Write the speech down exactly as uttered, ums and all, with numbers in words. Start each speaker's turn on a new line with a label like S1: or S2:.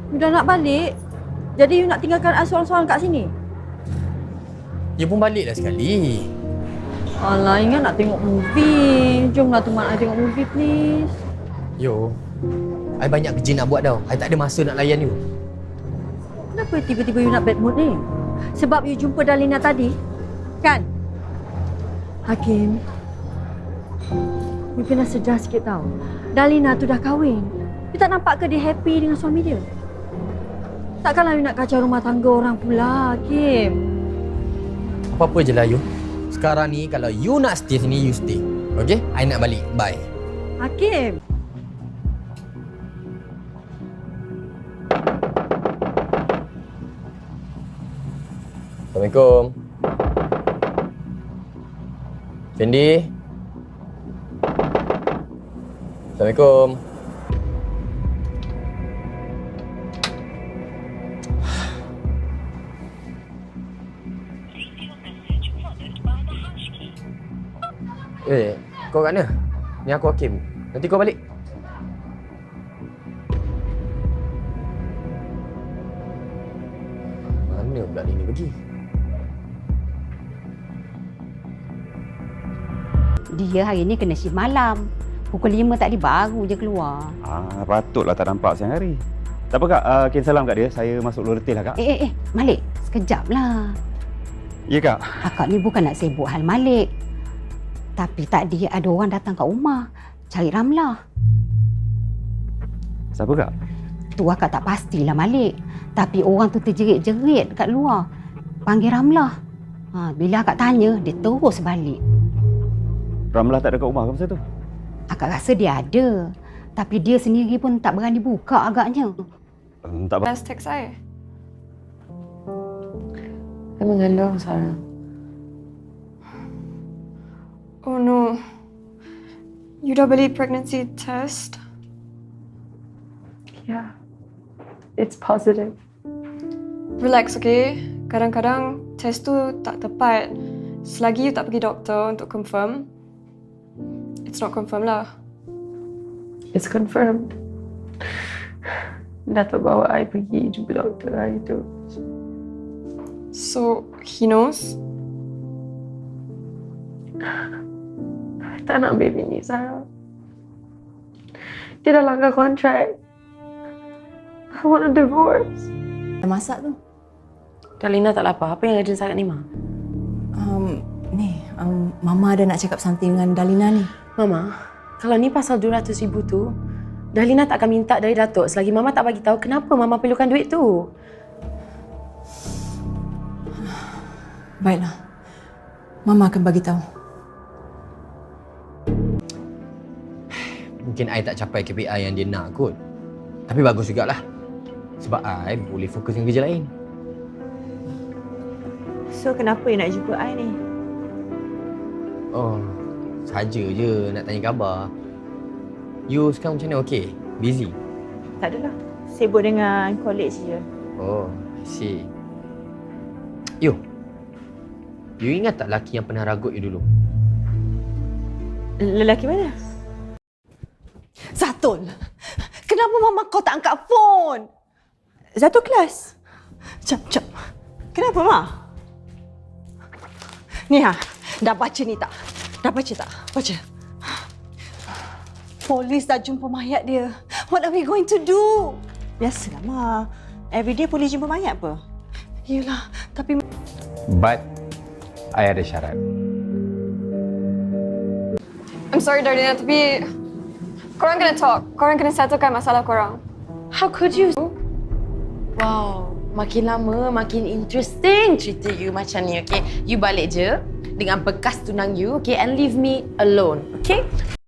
S1: You dah nak balik? Jadi you nak tinggalkan I seorang-seorang kat sini?
S2: You pun baliklah sekali.
S1: Alah, ingat nak tengok movie. Jomlah teman I tengok movie, please.
S2: Yo, I banyak kerja nak buat tau. I tak ada masa nak layan you.
S1: Kenapa tiba-tiba you nak bad mood ni? Sebab you jumpa Dalina tadi? Kan? Hakim, you kena sedar sikit tau. Dalina tu dah kahwin. You tak nampak ke dia happy dengan suami dia? Takkanlah you nak kacau rumah tangga orang pula, Hakim.
S2: Apa-apa je lah you. Sekarang ni kalau you nak stay sini, you stay. Okay? I nak balik. Bye.
S1: Hakim.
S2: Assalamualaikum. Fendi. Assalamualaikum. Eh, kau kat mana? Ni aku Hakim. Nanti kau balik. Mana pula dia ni pergi?
S3: Dia hari ni kena shift malam. Pukul lima tadi baru je keluar.
S4: Ah, patutlah tak nampak siang hari. Tak apa kak, uh, Ken salam kat dia. Saya masuk luar retil lah kak.
S3: Eh, eh, eh. Malik, sekejap lah.
S4: Ya kak.
S3: Akak ni bukan nak sibuk hal Malik. Tapi tadi ada orang datang kat rumah cari Ramlah.
S4: Siapa kak?
S3: Tu akak tak pastilah Malik. Tapi orang tu terjerit-jerit kat luar. Panggil Ramlah. Ha, bila akak tanya, dia terus balik.
S4: Ramlah tak ada kat rumah ke masa tu?
S3: Akak rasa dia ada. Tapi dia sendiri pun tak berani buka agaknya.
S4: Hmm, tak apa.
S5: Last text saya. Saya mengandung, Sarah. Oh no. You dah beli pregnancy test?
S6: Yeah. It's positive.
S5: Relax, okay? Kadang-kadang test tu tak tepat. Selagi you tak pergi doktor untuk confirm, it's not confirmed lah.
S6: It's confirmed. Datuk bawa I pergi jumpa doktor hari tu.
S5: So, he knows?
S6: I tak nak baby ni, Sarah. Dia dah langgar kontrak. I want a divorce.
S7: Dah masak tu?
S8: Dalina tak lapar. Apa yang urgent sangat ni, Ma?
S7: Um, ni, um, Mama ada nak cakap something dengan Dalina ni.
S8: Mama, kalau ni pasal dua ratus ribu tu, Dalina tak akan minta dari Datuk selagi Mama tak bagi tahu kenapa Mama perlukan duit tu.
S7: Baiklah. Mama akan bagi tahu.
S2: Mungkin I tak capai K P I yang dia nak kot. Tapi bagus jugalah. Sebab I boleh fokus dengan kerja lain.
S1: So, kenapa you nak jumpa I ni?
S2: Oh, saja je nak tanya khabar. You sekarang macam mana? Okey? Busy?
S1: Tak adalah. Sibuk dengan college je.
S2: Oh, I see. Yo, you ingat tak lelaki yang pernah ragut you dulu?
S1: Lelaki mana?
S9: Zatul, kenapa mama kau tak angkat phone?
S1: Satu kelas.
S9: Jap, jap. Kenapa, Ma? Ni ha, dah baca ni tak? Dah baca tak? Baca. Polis dah jumpa mayat dia. What are we going to do?
S1: Biasalah, Ma. Everyday polis jumpa mayat apa?
S9: Yelah, tapi...
S4: But, I ada syarat.
S5: I'm sorry, Darlina, tapi korang kena talk. Korang kena settlekan masalah korang.
S8: How could you? Wow, makin lama makin interesting cerita you macam ni, okay? You balik je dengan bekas tunang you, okay? And leave me alone, okay?